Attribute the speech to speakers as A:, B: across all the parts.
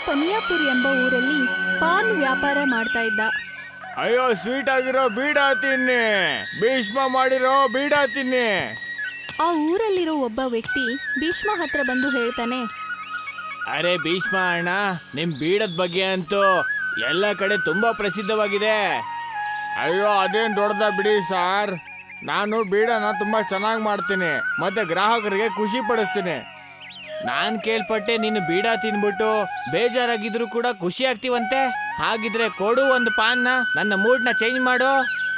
A: ಪನಿಯಾಪುರ್ ಎಂಬ ಊರಲ್ಲಿ ಪಾನ್ ವ್ಯಾಪಾರ ಮಾಡ್ತಾ ಇದ್ದ.
B: ಅಯ್ಯೋ, ಸ್ವೀಟ್ ಆಗಿರೋ ಬೀಡ ತಿನ್ನಿ, ಭೀಷ್ಮ ಮಾಡಿರೋ ಬೀಡ ತಿನ್ನಿ.
A: ಆ ಊರಲ್ಲಿರೋ ಒಬ್ಬ ವ್ಯಕ್ತಿ ಭೀಷ್ಮ ಹತ್ರ ಬಂದು ಹೇಳ್ತಾನೆ,
B: ಅರೆ ಭೀಷ್ಮ ಅಣ್ಣ, ನಿಮ್ ಬೀಡದ ಬಗ್ಗೆ ಅಂತೂ ಎಲ್ಲ ಕಡೆ ತುಂಬಾ ಪ್ರಸಿದ್ಧವಾಗಿದೆ. ಅಯ್ಯೋ, ಅದೇನ್ ದೊಡ್ಡದ ಬಿಡಿ ಸಾರ್. ನಾನು ಬೀಡನ ತುಂಬಾ ಚೆನ್ನಾಗಿ ಮಾಡ್ತೀನಿ ಮತ್ತೆ ಗ್ರಾಹಕರಿಗೆ ಖುಷಿ ಪಡಿಸ್ತೀನಿ. ನಾನ್ ಕೇಳ್ಪಟ್ಟೆ ನೀನು ಬೀಡ ತಿನ್ಬಿಟ್ಟು ಬೇಜಾರಾಗಿದ್ರು ಕೂಡ ಖುಷಿ ಆಗ್ತೀವಂತೆ. ಹಾಗಿದ್ರೆ ಕೊಡು ಒಂದು ಪಾನ್ನ, ನನ್ನ ಮೂಡ್ನ ಚೇಂಜ್ ಮಾಡು.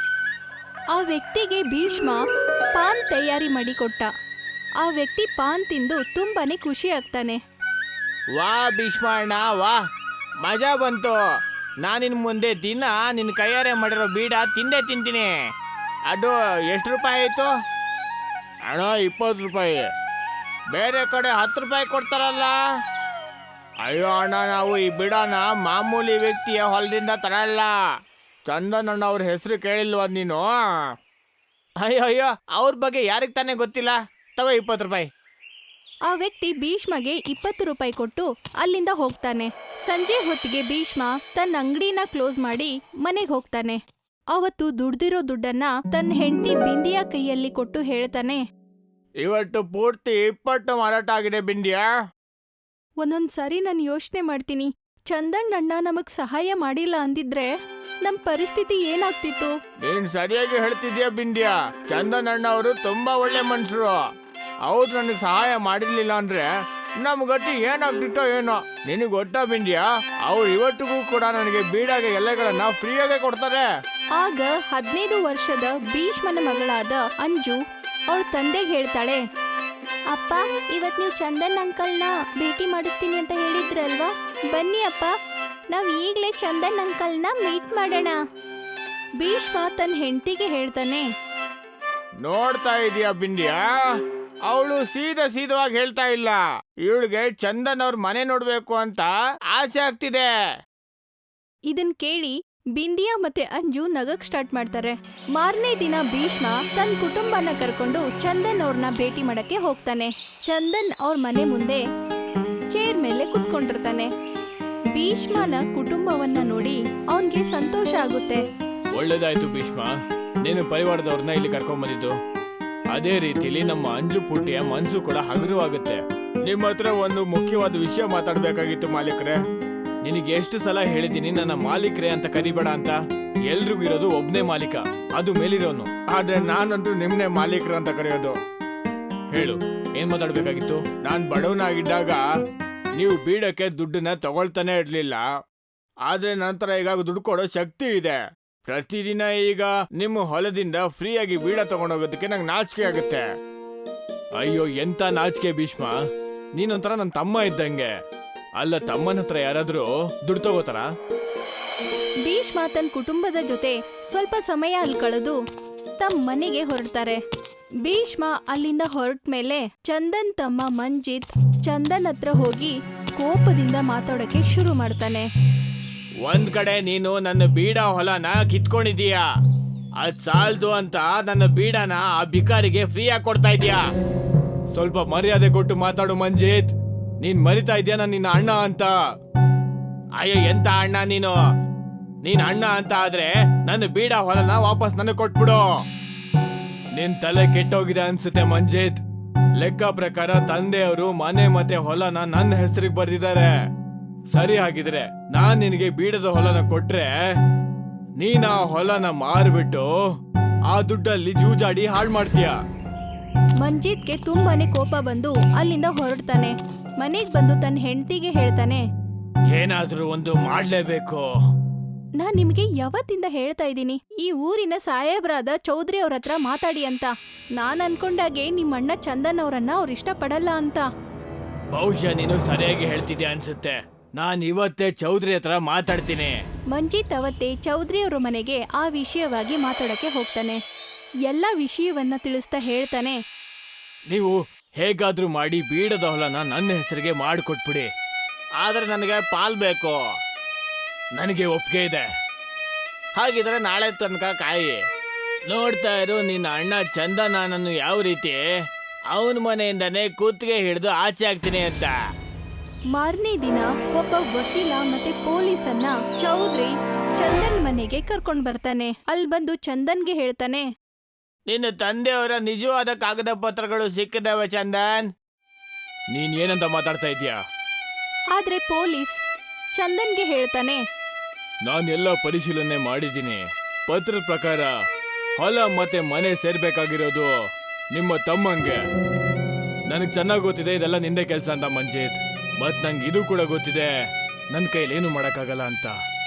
A: ಆ ವ್ಯಕ್ತಿಗೆ ಭೀಷ್ಮ ಪಾನ್ ತಯಾರಿ ಮಾಡಿ ಕೊಟ್ಟ. ಆ ವ್ಯಕ್ತಿ ಪಾನ್ ತಿಂದು ತುಂಬಾನೇ ಖುಷಿ ಆಗ್ತಾನೆ.
B: ವಾ ಭೀಷ್ಮ ಅಣ್ಣ, ವಾ, ಮಜಾ ಬಂತು. ನಾನಿನ್ ಮುಂದೆ ದಿನ ನಿನ್ನ ಕೈಯಾರೆ ಮಾಡಿರೋ ಬೀಡ ತಿಂದೇ ತಿಂತೀನಿ. ಅದು ಎಷ್ಟು ರೂಪಾಯಿ ಆಯಿತು ಅಣ್ಣ? 20 ರೂಪಾಯಿ. ಬೇರೆ ಕಡೆ 10 ರೂಪಾಯಿ ಕೊಡ್ತಾರಲ್ಲ. ಅಯ್ಯೋ ಅಣ್ಣ, ನಾವು ಈ ಬೀಡನ ಮಾಮೂಲಿ ವ್ಯಕ್ತಿಯ ಹೊಲದಿಂದ ತರಲ್ಲ. ಚಂದನ್ ಅಣ್ಣ ಅವ್ರ ಹೆಸರು ಕೇಳಿಲ್ವ ನೀನು? ಅಯ್ಯೋ ಅಯ್ಯೋ, ಅವ್ರ ಬಗ್ಗೆ ಯಾರಿಗೆ ತಾನೇ ಗೊತ್ತಿಲ್ಲ. ತಗೋ 20 ರೂಪಾಯಿ.
A: ಆ ವ್ಯಕ್ತಿ ಭೀಷ್ಮಗೆ 20 ರೂಪಾಯಿ ಕೊಟ್ಟು ಅಲ್ಲಿಂದ ಹೋಗ್ತಾನೆ. ಸಂಜೆ ಹೊತ್ತಿಗೆ ಭೀಷ್ಮ ತನ್ನ ಅಂಗಡಿನ ಕ್ಲೋಸ್ ಮಾಡಿ ಮನೆಗೆ ಹೋಗ್ತಾನೆ. ಅವತ್ತು ದುಡ್ದಿರೋ ದುಡ್ಡನ್ನ ತನ್ನ ಹೆಂಡತಿ ಬಿಂದಿಯ ಕೈಯಲ್ಲಿ ಕೊಟ್ಟು ಹೇಳ್ತಾನೆ,
B: ಇವತ್ತು ಪೂರ್ತಿ 20 ಮಾರಾಟ ಆಗಿದೆ ಬಿಂದಿಯಾ.
A: ಒಂದೊಂದ್ ಸಾರಿ ನಾನು ಯೋಚನೆ ಮಾಡ್ತೀನಿ, ಚಂದನ್ ಅಣ್ಣ ನಮಗ್ ಸಹಾಯ ಮಾಡಿಲ್ಲ ಅಂದಿದ್ರೆ ನಮ್ ಪರಿಸ್ಥಿತಿ ಏನಾಗ್ತಿತ್ತು.
B: ನೀನ್ ಸರಿಯಾಗಿ ಹೇಳ್ತಿದ್ಯಾ ಬಿಂದಿಯಾ. ಚಂದನ್ ಅಣ್ಣ ಅವರು ತುಂಬಾ ಒಳ್ಳೆ ಮನುಷ್ಯರು. ಅವ್ರು ನನಗೆ ಸಹಾಯ ಮಾಡಿರ್ಲಿಲ್ಲ ಅಂದ್ರೆ ನಮ್ ಗತಿ ಏನಾಗ್ತಿತ್ತೋ ಏನೋ. ನಿನಗೆ ಗೊತ್ತಾ ಬಿಂದಿಯಾ, ಅವ್ರು ಇವತ್ತಿಗೂ ಕೂಡ ನನಗೆ ಬೀಡಾಗೆ ಎಲೆಗಳನ್ನ ಫ್ರೀಯಾಗೆ ಕೊಡ್ತಾರೆ.
A: ಆಗ 15 ವರ್ಷದ ಭೀಷ್ಮನ ಮಗಳಾದ ಅಂಜು ಅವಳ ತಂದೆಗೆ ಹೇಳ್ತಾಳೆ, ಅಪ್ಪ, ಇವತ್ ನೀವು ಚಂದನ್ ಅಂಕಲ್ನ ಭೇಟಿ ಮಾಡಿಸ್ತೀನಿ ಅಂತ ಹೇಳಿದ್ರಲ್ವಾ? ಬನ್ನಿ ಅಪ್ಪ, ನಾವ್ ಈಗ್ಲೇ ಚಂದನ್ ಅಂಕಲ್ನ ಮೀಟ್ ಮಾಡೋಣ. ಭೀಷ್ಮ ತನ್ನ ಹೆಂಡತಿಗೆ ಹೇಳ್ತಾನೆ,
B: ನೋಡ್ತಾ ಇದೀಯಾ ಬಿಂದಿಯಾ, ಅವಳು ಸೀದವಾಗಿ ಹೇಳ್ತಾ ಇಲ್ಲ. ಇವಳಿಗೆ ಚಂದನ್ ಅವ್ರ ಮನೆ ನೋಡ್ಬೇಕು ಅಂತ ಆಸೆ ಆಗ್ತಿದೆ.
A: ಇದನ್ ಕೇಳಿ ಬಿಂದಿಯಾ ಮತ್ತೆ ಅಂಜು ನಗಕ್ ಸ್ಟಾರ್ಟ್ ಮಾಡ್ತಾರೆ. ಮಾರನೇ ದಿನ ಭೀಷ್ಮ ತನ್ನ ಕುಟುಂಬನ ಕರ್ಕೊಂಡು ಚಂದನ್ ಅವ್ರನ್ನ ಭೇಟಿ ಮಾಡಕ್ಕೆ ಹೋಗ್ತಾನೆ. ಚಂದನ್ ಅವ್ರ ಮನೆ ಮುಂದೆ ಚೇರ್ ಮೇಲೆ ಕುತ್ಕೊಂಡಿರ್ತಾನೆ. ಭೀಷ್ಮನ ಕುಟುಂಬವನ್ನ ನೋಡಿ ಅವನ್ಗೆ ಸಂತೋಷ ಆಗುತ್ತೆ.
B: ಒಳ್ಳೇದಾಯ್ತು ಭೀಷ್ಮ, ನೀನು ಪರಿವಾರದವ್ರನ್ನ ಇಲ್ಲಿ ಕರ್ಕೊಂಡ್ ಬಂದಿದ್ದು. ಅದೇ ರೀತಿಲಿ ನಮ್ಮ ಅಂಜು ಪುಟ್ಟಿಯ ಮನ್ಸು ಕೂಡ ಹಗುರವಾಗುತ್ತೆ. ನಿಮ್ಮ ಹತ್ರ ಒಂದು ಮುಖ್ಯವಾದ ವಿಷಯ ಮಾತಾಡ್ಬೇಕಾಗಿತ್ತು ಮಾಲೀಕ್ರೆ. ನಿನಗೆ ಎಷ್ಟು ಸಲ ಹೇಳಿದ್ದೀನಿ ನನ್ನ ಮಾಲೀಕ್ರೆ ಅಂತ ಕರಿಬೇಡ ಅಂತ. ಎಲ್ರಿಗೂ ಇರೋದು ಒಬ್ನೇ ಮಾಲೀಕ, ಅದು ಮೇಲಿರೋನು. ಆದ್ರೆ ನಾನಂತೂ ನಿಮ್ನೆ ಮಾಲೀಕ್ರ ಅಂತ ಕರೆಯೋದು. ಹೇಳು, ಏನ್ ಮಾತಾಡ್ಬೇಕಾಗಿತ್ತು? ನಾನ್ ಬಡವನಾಗಿದ್ದಾಗ ನೀವು ಬೀಡಕ್ಕೆ ದುಡ್ಡನ್ನ ತಗೊಳ್ತಾನೆ ಇರ್ಲಿಲ್ಲ. ಆದ್ರೆ ನಂತರ ಈಗ ದುಡ್ಡು ಕೊಡೋ ಶಕ್ತಿ ಇದೆ. ಪ್ರತಿದಿನ ಈಗ ನಿಮ್ಮ ಹೊಲದಿಂದ ಫ್ರೀಯಾಗಿ ಬೀಡ ತಗೊಂಡೋಗೋದಕ್ಕೆ ನಂಗೆ ನಾಚಿಕೆ ಆಗುತ್ತೆ. ಅಯ್ಯೋ, ಎಂತ ನಾಚಿಕೆ ಭೀಷ್ಮ, ನೀನೊಂಥರ ನನ್ನ ತಮ್ಮ ಇದ್ದಂಗೆ. ಅಲ್ಲ, ತಮ್ಮನ ಹತ್ರ ಯಾರಾದ್ರೂ ದುಡ್ಡು ತಗೋತಾರ?
A: ಭೀಷ್ಮ ತನ್ನ ಕುಟುಂಬದ ಜೊತೆ ಸ್ವಲ್ಪ ಸಮಯ ಅಲ್ಲಿ ಕಳೆದು ತಮ್ಮ ಮನೆಗೆ ಹೊರಡ್ತಾರೆ. ಭೀಷ್ಮ ಅಲ್ಲಿಂದ ಹೊರಟ ಮೇಲೆ ಚಂದನ್ ತಮ್ಮ ಮಂಜಿತ್ ಚಂದನ್ ಹತ್ರ ಹೋಗಿ ಕೋಪದಿಂದ ಮಾತಾಡೋಕೆ ಶುರು ಮಾಡ್ತಾನೆ.
B: ಒಂದ್ ಕಡೆ ನೀನು ನನ್ನ ಬೀಡ ಹೊಲನ ಕಿತ್ಕೊಂಡಿದೀಯಾ, ಅದ್ ಸಾಲ್ದು ಅಂತ ನನ್ನ ಬೀಡನ ಆ ಬಿಕಾರಿಗೆ ಫ್ರೀಯಾಗಿ ಕೊಡ್ತಾ ಇದೀಯಾ. ಸ್ವಲ್ಪ ಮರ್ಯಾದೆ ಕೊಟ್ಟು ಮಾತಾಡು ಮಂಜಿತ್. ನೀನ್ ಮರಿತಾ ಇದೀಯ ನಾನು ನಿನ್ನ ಅಣ್ಣ ಅಂತ. ಅಯ್ಯೋ, ಎಂತ ಅಣ್ಣ ನೀನು? ನೀನ್ ಅಣ್ಣ ಅಂತ ಆದ್ರೆ ನನ್ನ ಬೀಡ ಹೊಲನ ವಾಪಸ್ ನನಗೆ ಕೊಟ್ಬಿಡು. ನಿನ್ ತಲೆ ಕೆಟ್ಟೋಗಿದೆ ಅನ್ಸುತ್ತೆ ಮಂಜಿತ್. ಲೆಕ್ಕ ಪ್ರಕಾರ ತಂದೆಯವರು ಮನೆ ಮತ್ತೆ ಹೊಲನ ನನ್ನ ಹೆಸರಿಗೆ ಬರ್ದಿದ್ದಾರೆ. ಸರಿ, ಹಾಗಿದ್ರೆ ನಾನ್ ನಿನಗೆ ಬೀಡದ ಹೊಲನ ಕೊಟ್ರೆ ನೀನ್ ಆ ಹೊಲನ ಮಾರ್ಬಿಟ್ಟು ಆ ದುಡ್ಡಲ್ಲಿ ಜೂಜಾಡಿ ಹಾಳು ಮಾಡ್ತೀಯ.
A: ಮಂಜಿತ್ಗೆ ತುಂಬಾನೇ ಕೋಪ ಬಂದು ಅಲ್ಲಿಂದ ಹೊರಡ್ತಾನೆ. ಮನೆಗ್ ಬಂದು ತನ್ನ ಹೆಂಡತಿಗೆ ಹೇಳ್ತಾನೆ,
B: ಏನಾದ್ರೂ ಒಂದು ಮಾಡ್ಲೇಬೇಕು.
A: ನಾನ್ ನಿಮ್ಗೆ ಯಾವತ್ತಿಂದ ಹೇಳ್ತಾ ಇದ್ದೀನಿ ಈ ಊರಿನ ಸಾಹೇಬ್ರಾದ ಚೌಧರಿ ಅವ್ರ ಹತ್ರ ಮಾತಾಡಿ ಅಂತ. ನಾನ್ ಅನ್ಕೊಂಡಾಗೆ ನಿಮ್ಮಣ್ಣ ಚಂದನ್ ಅವ್ರನ್ನ ಅವ್ರ ಇಷ್ಟ ಪಡಲ್ಲ ಅಂತ.
B: ಬಹುಶಃ ನೀನು ಸರಿಯಾಗಿ ಹೇಳ್ತಿದ್ಯಾ ಅನ್ಸುತ್ತೆ. ನಾನ್ ಇವತ್ತೇ ಚೌಧರಿ ಹತ್ರ ಮಾತಾಡ್ತೀನಿ.
A: ಮಂಜಿತ್ ಅವತ್ತೇ ಚೌಧರಿ ಅವ್ರ ಮನೆಗೆ ಆ ವಿಷಯವಾಗಿ ಮಾತಾಡಕ್ಕೆ ಹೋಗ್ತಾನೆ. ಎಲ್ಲ ವಿಷಯವನ್ನ ತಿಳಿಸ್ತಾ ಹೇಳ್ತಾನೆ,
B: ನೀವು ಹೇಗಾದ್ರೂ ಮಾಡಿ ಬೀಡದ ಹೊಲನ ನನ್ನ ಹೆಸರಿಗೆ ಮಾಡಿಕೊಟ್ಬಿಡಿ. ಆದ್ರೆ ನನಗೆ ಪಾಲ್ ಬೇಕು. ನನಗೆ ಒಪ್ಪಿಗೆ ಇದೆ. ಹಾಗಿದ್ರೆ ನಾಳೆ ತನಕ ಕಾಯಿ. ನೋಡ್ತಾ ಇರು ನಿನ್ನ ಅಣ್ಣ ಚಂದನ ನಾನು ಯಾವ ರೀತಿ ಅವನ ಮನೆಯಿಂದಾನೇ ಕೂತ್ಗೆ ಹಿಡಿದು ಆಚೆ ಆಗ್ತೀನಿ ಅಂತ.
A: ಮಾರನೇ ದಿನ ಒಬ್ಬ ವಕೀಲ ಮತ್ತೆ ಪೊಲೀಸನ್ನ ಚೌಧರಿ ಚಂದನ್ ಮನೆಗೆ ಕರ್ಕೊಂಡ್ ಬರ್ತಾನೆ. ಅಲ್ಲಿ ಬಂದು ಚಂದನ್ಗೆ ಹೇಳ್ತಾನೆ,
B: ನಿನ್ನ ತಂದೆಯವರ ನಿಜವಾದ ಕಾಗದ ಪತ್ರಗಳು ಸಿಕ್ಕಿದವೆ ಚಂದನ್. ನೀನ್ ಏನಂತ ಮಾತಾಡ್ತಾ ಇದೀಯಾ?
A: ಆದ್ರೆ ಪೊಲೀಸ್ ಚಂದನ್ಗೆ ಹೇಳ್ತಾನೆ,
B: ನಾನೆಲ್ಲ ಪರಿಶೀಲನೆ ಮಾಡಿದ್ದೀನಿ. ಪತ್ರದ ಪ್ರಕಾರ ಹೊಲ ಮತ್ತೆ ಮನೆ ಸೇರ್ಬೇಕಾಗಿರೋದು ನಿಮ್ಮ ತಮ್ಮಂಗೆ. ನನಗೆ ಚೆನ್ನಾಗಿ ಗೊತ್ತಿದೆ ಇದೆಲ್ಲ ನಿಂದೆ ಕೆಲಸ ಅಂತ ಮಂಜಿತ್. ಮತ್ ನಂಗೆ ಇದು ಕೂಡ ಗೊತ್ತಿದೆ ನನ್ನ ಕೈಲೇನು ಮಾಡಕ್ಕಾಗಲ್ಲ ಅಂತ.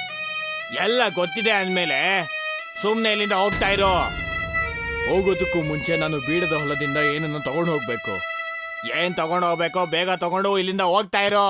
B: ಎಲ್ಲ ಗೊತ್ತಿದೆ ಅಂದ್ಮೇಲೆ ಸುಮ್ಮನೆ ಇಲ್ಲಿಂದ ಹೋಗ್ತಾ ಇರೋ. ಹೋಗೋದಕ್ಕೂ ಮುಂಚೆ ನಾನು ಬೀಡದ ಹೊಲದಿಂದ ಏನನ್ನು ತಗೊಂಡು ಹೋಗ್ಬೇಕು. ಏನ್ ತಗೊಂಡು ಹೋಗ್ಬೇಕೋ ಬೇಗ ತಗೊಂಡು ಇಲ್ಲಿಂದ ಹೋಗ್ತಾ ಇರೋ.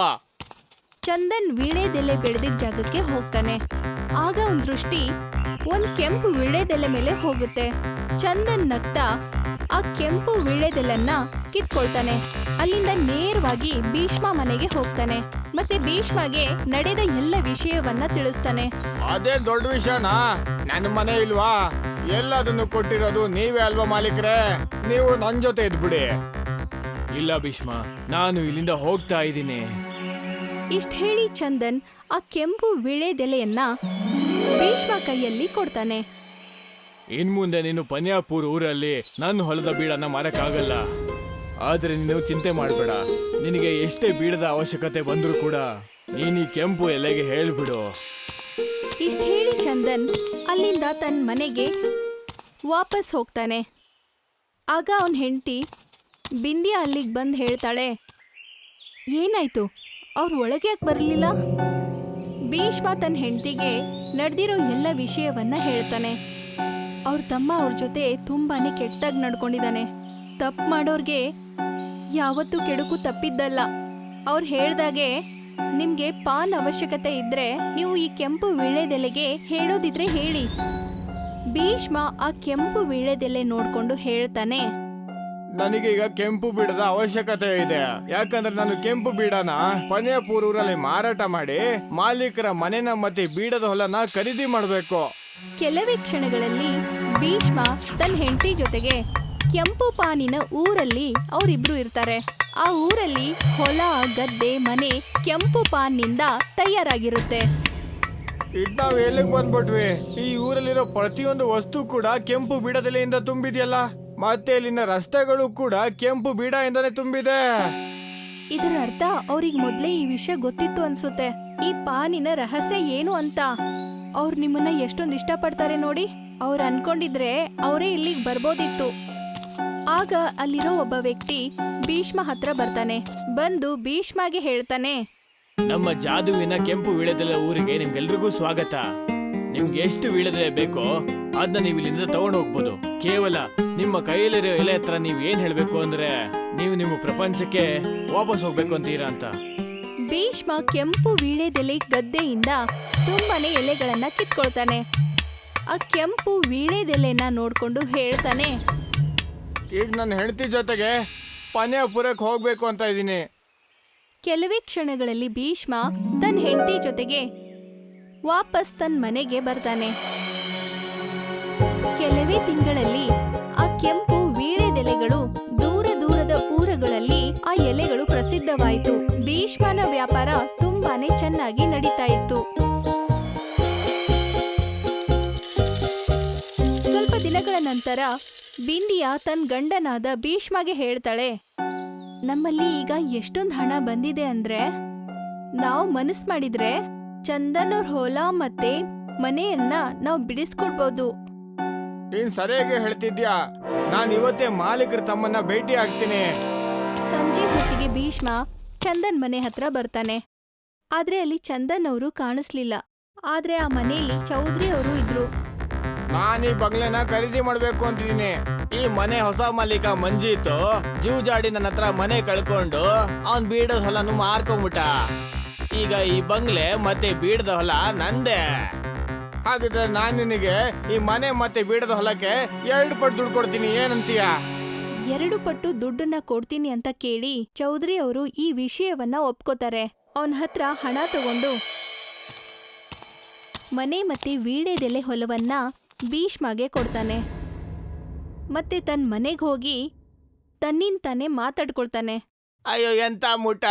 A: ಚಂದನ್ ವೀಳ್ಯದೆಲೆ ಬೆಳೆದಿದ್ದ ಜಾಗಕ್ಕೆ ಹೋಗ್ತಾನೆ. ಆಗ ಒಂದ್ ದೃಷ್ಟಿ ಒಂದ್ ಕೆಂಪು ವೀಳ್ಯದೆಲೆ ಮೇಲೆ ಹೋಗುತ್ತೆ. ಚಂದನ್ ನಗ್ತಾ ಆ ಕೆಂಪು ವೀಳ್ಯದೆಲೆನ್ನ ಕಿತ್ಕೊಳ್ತಾನೆ. ಅಲ್ಲಿಂದ ನೇರವಾಗಿ ಭೀಷ್ಮ ಮನೆಗೆ ಹೋಗ್ತಾನೆ. ಮತ್ತೆ ಭೀಷ್ಮಗೆ ನಡೆದ ಎಲ್ಲ ವಿಷಯವನ್ನ ತಿಳಿಸ್ತಾನೆ.
B: ಅದೇ ದೊಡ್ಡ ವಿಷಯನಾ? ನನ್ನ ಮನೆ ಇಲ್ವಾ? ಎಲ್ಲದನ್ನು ಕೊಟ್ಟಿರೋದು ನೀವೇ ಅಲ್ವಾ ಮಾಲೀಕರೇ? ನೀವು ನನ್ ಜೊತೆ ಇದ್ಬಿಡಿ. ಇಲ್ಲ ಭೀಷ್ಮ, ನಾನು ಇಲ್ಲಿಂದ ಹೋಗ್ತಾ ಇದ್ದೀನಿ.
A: ಇಷ್ಟ ಹೇಳಿ ಚಂದನ್ ಆ ಕೆಂಪು ವೀಳ್ಯದೆಲೆಯನ್ನ ಭೀಷ್ಮ ಕೈಯಲ್ಲಿ ಕೊಡ್ತಾನೆ.
B: ಇನ್ ಮುಂದೆ ನೀನು ಪನ್ಯಾಪುರ್ ಊರಲ್ಲಿ ನನ್ನ ಹೊಲದ ಬೀಡನ್ನ ಮಾರಕ್ಕಾಗಲ್ಲ. ಆದ್ರೆ ನೀನು ಚಿಂತೆ ಮಾಡಬೇಡ. ನಿನಗೆ ಎಷ್ಟೇ ಬೀಡದ ಅವಶ್ಯಕತೆ ಬಂದ್ರೂ ಕೂಡ ನೀನು ಈ ಕೆಂಪು ಎಲೆಗೆ ಹೇಳ್ಬಿಡು.
A: ಇಷ್ಟ ಹೇಳಿ ಚಂದನ್ ಅಲ್ಲಿಂದ ತನ್ನ ಮನೆಗೆ ವಾಪಸ್ ಹೋಗ್ತಾನೆ. ಆಗ ಅವನ ಹೆಂಡತಿ ಬಿಂದಿಯಾ ಅಲ್ಲಿಗೆ ಬಂದು ಹೇಳ್ತಾಳೆ, ಏನಾಯ್ತು, ಅವ್ರು ಒಳಗೆ ಯಾಕೆ ಬರಲಿಲ್ಲ? ಭೀಷ್ಮ ತನ್ನ ಹೆಂಡತಿಗೆ ನಡೆದಿರೋ ಎಲ್ಲ ವಿಷಯವನ್ನ ಹೇಳ್ತಾನೆ. ಅವ್ರ ತಮ್ಮ ಅವ್ರ ಜೊತೆ ತುಂಬಾನೇ ಕೆಟ್ಟಾಗಿ ನಡ್ಕೊಂಡಿದ್ದಾನೆ. ತಪ್ಪು ಮಾಡೋರ್ಗೆ ಯಾವತ್ತೂ ಕೆಡುಕು ತಪ್ಪಿದ್ದಲ್ಲ. ಅವ್ರು ಹೇಳ್ದಾಗೆ ನಿಮ್ಗೆ ಪಾನ್ ಅವಶ್ಯಕತೆ ಇದ್ರೆ ನೀವು ಈ ಕೆಂಪು ವೀಳ್ಯದೆಲೆಗೆ ಹೇಳೋದಿದ್ರೆ ಹೇಳಿ. ಭೀಷ್ಮ ಆ ಕೆಂಪು ವೀಳ್ಯದೆಲೆ ನೋಡ್ಕೊಂಡು ಹೇಳ್ತಾನೆ,
B: ನನಗೀಗ ಕೆಂಪು ಬೀಡದ ಅವಶ್ಯಕತೆ ಇದೆ. ಯಾಕಂದ್ರೆ ನಾನು ಕೆಂಪು ಬೀಡನ ಪನ್ಯಾಪುರ್ ಊರಲ್ಲಿ ಮಾರಾಟ ಮಾಡಿ ಮಾಲೀಕರ ಮನೆನ ಮತ್ತೆ ಬೀಡದ ಹೊಲನ ಖರೀದಿ ಮಾಡಬೇಕು.
A: ಕೆಲವೇ ಕ್ಷಣಗಳಲ್ಲಿ ಭೀಷ್ಮ ತನ್ನ ಹೆಂಡತಿ ಜೊತೆಗೆ ಕೆಂಪು ಪಾನಿನ ಊರಲ್ಲಿ ಅವರಿಬ್ರು ಇರ್ತಾರೆ. ಆ ಊರಲ್ಲಿ ಹೊಲ, ಗದ್ದೆ, ಮನೆ ಕೆಂಪು ಪಾನ್ನಿಂದ ತಯಾರಾಗಿರುತ್ತೆ.
B: ಇದ್ ನಾವ್ ಎಲ್ಲಿಗೆ ಬಂದ್ಬಿಟ್ವಿ? ಈ ಊರಲ್ಲಿರೋ ಪ್ರತಿಯೊಂದು ವಸ್ತು ಕೂಡ ಕೆಂಪು ಬೀಡದೆಲೆಯಿಂದ ತುಂಬಿದೆಯಲ್ಲ. ಮತ್ತೆ ಇಲ್ಲಿನ ರಸ್ತೆಗಳು ಕೂಡ ಕೆಂಪು ಬೀಡದಿಂದನೇ ತುಂಬಿದೆ.
A: ಇದರ ಅರ್ಥ ಅವ್ರಿಗೆ ಮೊದ್ಲೇ ಈ ವಿಷಯ ಗೊತ್ತಿತ್ತು ಅನ್ಸುತ್ತೆ. ಈ ಪಾನಿನ ರಹಸ್ಯ ಏನು ಅಂತ. ಅವ್ರು ನಿಮ್ಮನ್ನ ಎಷ್ಟೊಂದು ಇಷ್ಟಪಡ್ತಾರೆ ನೋಡಿ. ಅವ್ರು ಅನ್ಕೊಂಡಿದ್ರೆ ಅವರೇ ಇಲ್ಲಿಗೆ ಬರ್ಬೋದಿತ್ತು. ಆಗ ಅಲ್ಲಿರೋ ಒಬ್ಬ ವ್ಯಕ್ತಿ ಭೀಷ್ಮ ಹತ್ರ ಬರ್ತಾನೆ. ಬಂದು ಭೀಷ್ಮಗೆ ಹೇಳ್ತಾನೆ,
B: ನಮ್ಮ ಜಾದುವಿನ ಕೆಂಪು ವೀಳ್ಯದೆಲೆ ಊರಿಗೆ ನಿಮ್ಗೆಲ್ರಿಗೂ ಸ್ವಾಗತ. ನಿಮ್ಗೆ ಎಷ್ಟು ವೀಳ್ಯದೆಲೆ ಬೇಕೋ ಅದನ್ನ ನೀವು ಇಲ್ಲಿಂದ ತಗೊಂಡು ಹೋಗ್ಬೋದು. ಕೇವಲ ನಿಮ್ಮ ಕೈಯಲ್ಲಿರೋ ಎಲೆ ಹತ್ರ ನೀವ್ ಏನ್ ಹೇಳ್ಬೇಕು ಅಂದ್ರೆ ನೀವು ನಿಮ್ಮ ಪ್ರಪಂಚಕ್ಕೆ ವಾಪಸ್ ಹೋಗ್ಬೇಕು ಅಂತೀರಾ ಅಂತ.
A: ಭೀಷ್ಮ ಕೆಂಪು ವೀಳ್ಯದೆಲೆ ಗದ್ದೆಯಿಂದ ತುಂಬಾನೇ ಎಲೆಗಳನ್ನ ಕಿತ್ಕೊಳ್ತಾನೆ. ಆ ಕೆಂಪು ವೀಳ್ಯದೆಲೆನ ನೋಡ್ಕೊಂಡು ಹೇಳ್ತಾನೆ,
B: ಈಗ ನನ್ನ ಹೆಂಡತಿ ಜೊತೆಗೆ ಪನ್ಯಾಪುರಕ್ಕೆ ಹೋಗ್ಬೇಕು ಅಂತ ಇದ್ದೀನಿ.
A: ಕೆಲವೇ ಕ್ಷಣಗಳಲ್ಲಿ ಭೀಷ್ಮ ತನ್ನ ಹೆಂಡತಿ ಜೊತೆಗೆ ವಾಪಸ್ ತನ್ನ ಮನೆಗೆ ಬರ್ತಾನೆ. ಕೆಲವೇ ತಿಂಗಳಲ್ಲಿ ಆ ಕೆಂಪು ವೀಳ್ಯದೆಲೆಗಳು ದೂರ ದೂರದ ಊರುಗಳಲ್ಲಿ ಆ ಎಲೆಗಳು ಪ್ರಸಿದ್ಧವಾಯಿತು. ಭೀಷ್ಮನ ವ್ಯಾಪಾರ ತುಂಬಾನೇ ಚೆನ್ನಾಗಿ ನಡೀತಾ ಇತ್ತು. ಸ್ವಲ್ಪ ದಿನಗಳ ನಂತರ ಬಿಂದಿಯಾ ತನ್ನ ಗಂಡನಾದ ಭೀಷ್ಮಗೆ ಹೇಳ್ತಾಳೆ, ನಮ್ಮಲ್ಲಿ ಈಗ ಎಷ್ಟೊಂದು ಹಣ ಬಂದಿದೆ ಅಂದ್ರೆ ನಾವು ಮನಸ್ಸು ಮಾಡಿದ್ರೆ ಚಂದನ್ ಅವ್ರ ಹೊಲ ಮತ್ತೆ ಮನೆಯನ್ನ ನಾವು ಬಿಡಿಸ್ಕೊಡ್ಬೋದು.
B: ನೀನ್ ಸರಿಯಾಗಿ ಹೇಳ್ತಿದ್ಯಾ. ನಾನು ಇವತ್ತೇ ಮಾಲೀಕರ ತಮ್ಮನ್ನ ಭೇಟಿ ಆಗ್ತೀನಿ.
A: ಸಂಜೆ ಹೊತ್ತಿಗೆ ಭೀಷ್ಮ ಚಂದನ್ ಮನೆ ಹತ್ರ ಬರ್ತಾನೆ. ಆದ್ರೆ ಅಲ್ಲಿ ಚಂದನ್ ಅವರು ಕಾಣಿಸ್ಲಿಲ್ಲ. ಆದ್ರೆ ಆ ಮನೆಯಲ್ಲಿ ಚೌಧರಿ ಅವರು ಇದ್ರು.
B: ನಾನು ಈ ಬಂಗ್ಲೆನ ಖರೀದಿ ಮಾಡ್ಬೇಕು ಅಂತಿದ್ದೀನಿ. ಈ ಮನೆ ಹೊಸ ಮಾಲೀಕ ಮಂಜಿತ್ತು ಜೂಜಾಡಿ ನನ್ನ ಹತ್ರ ಮನೆ ಕಳ್ಕೊಂಡು ಅವನ್ ಬೀಡದ ಹೊಲನು ಮಾರ್ಕೊಂಡ್ಬಿಟ್ಟ. ಈಗ ಈ ಬಂಗ್ಲೆ ಮತ್ತೆ ಬೀಡದ ಹೊಲ ನಂದೇ. ಹಾಗಿದ್ರೆ ನಾನು ನಿನಗೆ ಈ ಮನೆ ಮತ್ತೆ ಬೀಡದ ಹೊಲಕ್ಕೆ 2 ಪಟ್ಟು ದುಡ್ಡು ಕೊಡ್ತೀನಿ, ಏನಂತೀಯ?
A: 2 ಪಟ್ಟು ದುಡ್ಡನ್ನ ಕೊಡ್ತೀನಿ ಅಂತ ಕೇಳಿ ಚೌಧರಿ ಅವರು ಈ ವಿಷಯವನ್ನ ಒಪ್ಕೋತಾರೆ. ಅವನ ಹತ್ರ ಹಣ ತಗೊಂಡು ಮನೆ ಮತ್ತೆ ವೀಳ್ಯದೆಲೆ ಹೊಲವನ್ನ ಭೀಷ್ಮಗೆ ಕೊಡ್ತಾನೆ. ಮತ್ತೆ ತನ್ನ ಮನೆಗೆ ಹೋಗಿ ತನ್ನಿಂತಾನೆ ಮಾತಾಡ್ಕೊಳ್ತಾನೆ.
B: ಅಯ್ಯೋ ಎಂತ ಮುಟ್ಟಾಳ,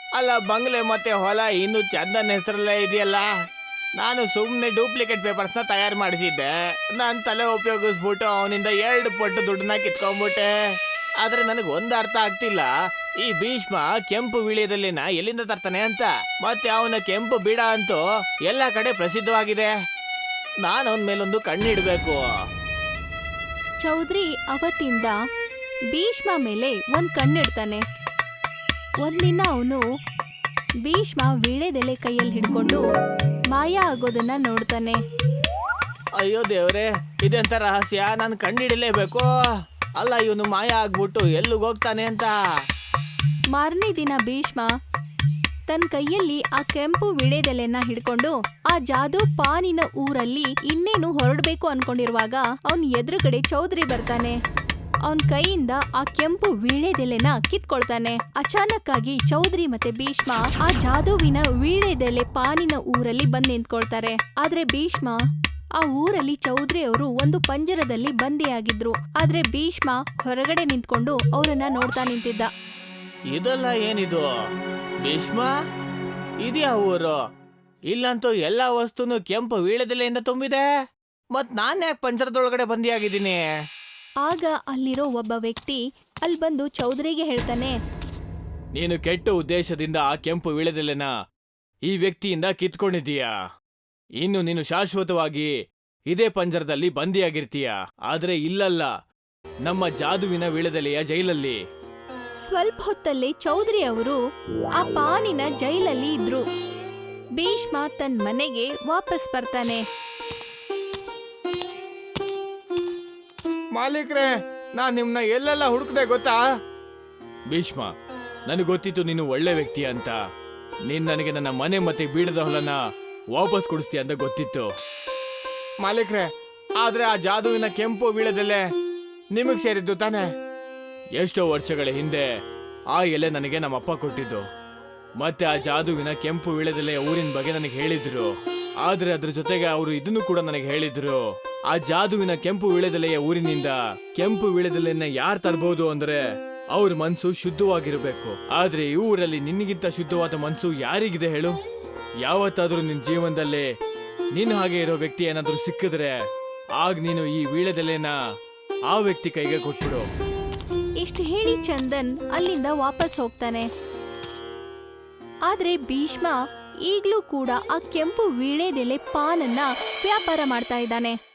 B: ಅಲ್ಲ ಬಂಗ್ಲೆ ಮತ್ತೆ ಹೊಲ ಇನ್ನು ಚಂದನ್ ಹೆಸರಲ್ಲೇ ಇದೆಯಲ್ಲ. ನಾನು ಸುಮ್ಮನೆ ಡೂಪ್ಲಿಕೇಟ್ ಪೇಪರ್ಸ್ನ ತಯಾರು ಮಾಡಿಸಿದ್ದೆ. ನನ್ನ ತಲೆ ಉಪಯೋಗಿಸ್ಬಿಟ್ಟು ಅವನಿಂದ 2 ಪಟ್ಟು ದುಡ್ಡನ್ನ ಕಿತ್ಕೊಂಡ್ಬಿಟ್ಟೆ. ಆದ್ರೆ ನನಗೆ ಒಂದು ಅರ್ಥ ಆಗ್ತಿಲ್ಲ, ಈ ಭೀಷ್ಮ ಕೆಂಪು ವಿಳಿಯದಲ್ಲಿನ ಎಲ್ಲಿಂದ ತರ್ತಾನೆ ಅಂತ. ಮತ್ತೆ ಅವನ ಕೆಂಪು ಬೀಡ ಅಂತೂ ಎಲ್ಲ ಕಡೆ ಪ್ರಸಿದ್ಧವಾಗಿದೆ. ನಾನು ಅವನ ಮೇಲೊಂದು ಕಣ್ಣಿಡ್ಬೇಕು.
A: ಚೌಧರಿ ಅವತ್ತಿಂದ ಭೀಷ್ಮ ಮೇಲೆ ಒಂದ್ ಕಣ್ಣಿಡ್ತಾನೆ. ಒಂದಿನ ಅವನು ಭೀಷ್ಮ ವೀಳ್ಯದೆಲೆ ಕೈಯಲ್ಲಿ ಹಿಡ್ಕೊಂಡು ಮಾಯ ಆಗೋದನ್ನ ನೋಡ್ತಾನೆ.
B: ಅಯ್ಯೋ ದೇವ್ರೆ, ಇದೆಂತ ರಹಸ್ಯ, ನಾನು ಕಂಡಿಡಲೇಬೇಕು. ಅಲ್ಲ, ಇವನು ಮಾಯ ಆಗ್ಬಿಟ್ಟು ಎಲ್ಲಿಗೋಗ್ತಾನೆ ಅಂತ.
A: ಮಾರನೇ ದಿನ ಭೀಷ್ಮ ತನ್ನ ಕೈಯಲ್ಲಿ ಆ ಕೆಂಪು ವೀಳ್ಯದೆಲೆನ ಹಿಡ್ಕೊಂಡು ಆ ಜಾದೂ ಪಾನಿನ ಊರಲ್ಲಿ ಇನ್ನೇನು ಹೊರಡ್ಬೇಕು ಅನ್ಕೊಂಡಿರುವಾಗ ಅವನ್ ಎದುರುಗಡೆ ಚೌಧರಿ ಬರ್ತಾನೆ. ಅವನ್ ಕೈಯಿಂದ ಆ ಕೆಂಪು ವೀಳ್ಯದೆಲೆನ ಕಿತ್ಕೊಳ್ತಾನೆ. ಅಚಾನಕ್ ಆಗಿ ಚೌಧರಿ ಮತ್ತೆ ಭೀಷ್ಮ ಆ ಜಾದೂವಿನ ವೀಳ್ಯದೆಲೆ ಪಾನಿನ ಊರಲ್ಲಿ ಬಂದ್ ನಿಂತ್ಕೊಳ್ತಾರೆ. ಆದ್ರೆ ಭೀಷ್ಮ ಆ ಊರಲ್ಲಿ ಚೌಧರಿ ಅವರು ಒಂದು ಪಂಜರದಲ್ಲಿ ಬಂದಿಯಾಗಿದ್ರು. ಆದ್ರೆ ಭೀಷ್ಮ ಹೊರಗಡೆ ನಿಂತ್ಕೊಂಡು ಅವರನ್ನ ನೋಡ್ತಾ ನಿಂತಿದ್ದ.
B: ಇದೆಲ್ಲ ಏನಿದು ಭೀಷ್ಮ? ಇದ್ಯಾ ಊರು? ಇಲ್ಲಂತೂ ಎಲ್ಲಾ ವಸ್ತುನು ಕೆಂಪು ವೀಳ್ಯದೆಲೆಯಿಂದ ತುಂಬಿದೆ. ಮತ್ ನಾನ್ ಯಾಕೆ ಪಂಜರದೊಳಗಡೆ ಬಂದಿಯಾಗಿದ್ದೀನಿ?
A: ಆಗ ಅಲ್ಲಿರೋ ಒಬ್ಬ ವ್ಯಕ್ತಿ ಅಲ್ಲಿ ಬಂದು ಚೌಧರಿಗೆ ಹೇಳ್ತಾನೆ,
B: ನೀನು ಕೆಟ್ಟ ಉದ್ದೇಶದಿಂದ ಆ ಕೆಂಪು ವೀಳ್ಯದೆಲೆನ ಈ ವ್ಯಕ್ತಿಯಿಂದ ಕಿತ್ಕೊಂಡಿದ್ದೀಯಾ. ಇನ್ನು ನೀನು ಶಾಶ್ವತವಾಗಿ ಇದೇ ಪಂಜರದಲ್ಲಿ ಬಂದಿಯಾಗಿರ್ತೀಯ. ಆದ್ರೆ ಇಲ್ಲಲ್ಲ, ನಮ್ಮ ಜಾದುವಿನ ವೀಳ್ಯದೆಲೆಯ ಜೈಲಲ್ಲಿ.
A: ಸ್ವಲ್ಪ ಹೊತ್ತಲ್ಲೇ ಚೌಧರಿ ಅವರು ಆ ಪಾನಿನ ಜೈಲಲ್ಲಿ ಇದ್ರು. ಭೀಷ್ಮ ತನ್ನ ಮನೆಗೆ ವಾಪಸ್ ಬರ್ತಾನೆ.
B: ಮಾಲೀಕ್ರೆ, ನಾನ್ ನಿಮ್ನ ಎಲ್ಲೆಲ್ಲ ಹುಡುಕ್ದೆ ಗೊತ್ತಾ? ಭೀಷ್ಮ, ನನಗೆ ಗೊತ್ತಿತ್ತು ನೀನು ಒಳ್ಳೆ ವ್ಯಕ್ತಿ ಅಂತ. ನೀನ್ ನನಗೆ ನನ್ನ ಮನೆ ಮತ್ತೆ ಬೀಡದ ಹೊಲನ ವಾಪಸ್ ಕೊಡಿಸ್ತೀಯ ಅಂತ ಗೊತ್ತಿತ್ತು. ಮಾಲೀಕ್ರೆ, ಆದ್ರೆ ಆ ಜಾದುವಿನ ಕೆಂಪು ವೀಳ್ಯದೆಲೆ ನಿಮಗ್ ಸೇರಿದ್ದು ತಾನೆ? ಎಷ್ಟೋ ವರ್ಷಗಳ ಹಿಂದೆ ಆ ಎಲೆ ನನಗೆ ನಮ್ಮಪ್ಪ ಕೊಟ್ಟಿದ್ದು. ಮತ್ತೆ ಆ ಜಾದುವಿನ ಕೆಂಪು ವೀಳ್ಯದೆಲೆಯ ಊರಿನ ಬಗ್ಗೆ ನನಗೆ ಹೇಳಿದ್ರು. ಆದ್ರೆ ಅದ್ರ ಜೊತೆಗೆ ಅವರು ಇದನ್ನು ಕೂಡ ನನಗೆ ಹೇಳಿದ್ರು, ಆ ಜಾದುವಿನ ಕೆಂಪು ವೀಳ್ಯದೆಲೆಯ ಊರಿನಿಂದ ಕೆಂಪು ವೀಳ್ಯದೆಲೆಯನ್ನ ಯಾರು ತರಬಹುದು ಅಂದ್ರೆ ಅವ್ರ ಮನ್ಸು ಶುದ್ಧವಾಗಿರ್ಬೇಕು. ಆದ್ರೆ ಈ ಊರಲ್ಲಿ ನಿನ್ಗಿಂತ ಶುದ್ಧವಾದ ಮನ್ಸು ಯಾರಿಗಿದೆ ಹೇಳು? ಯಾವತ್ತಾದ್ರೂ ನಿನ್ ಜೀವನದಲ್ಲಿ ನಿನ್ ಹಾಗೆ ಇರೋ ವ್ಯಕ್ತಿ ಏನಾದ್ರೂ ಸಿಕ್ಕಿದ್ರೆ ಆಗ ನೀನು ಈ ವೀಳ್ಯದೆಲೆನ ಆ ವ್ಯಕ್ತಿ ಕೈಗೆ ಕೊಟ್ಬಿಡು.
A: ಇಷ್ಟು ಹೇಳಿ ಚಂದನ್ ಅಲ್ಲಿಂದ ವಾಪಸ್ ಹೋಗ್ತಾನೆ. ಆದ್ರೆ ಭೀಷ್ಮ ಈಗ್ಲೂ ಕೂಡ ಆ ಕೆಂಪು ವೀಳ್ಯದೆಲೆ ಪಾನನ್ನ ವ್ಯಾಪಾರ ಮಾಡ್ತಾ ಇದ್ದಾನೆ.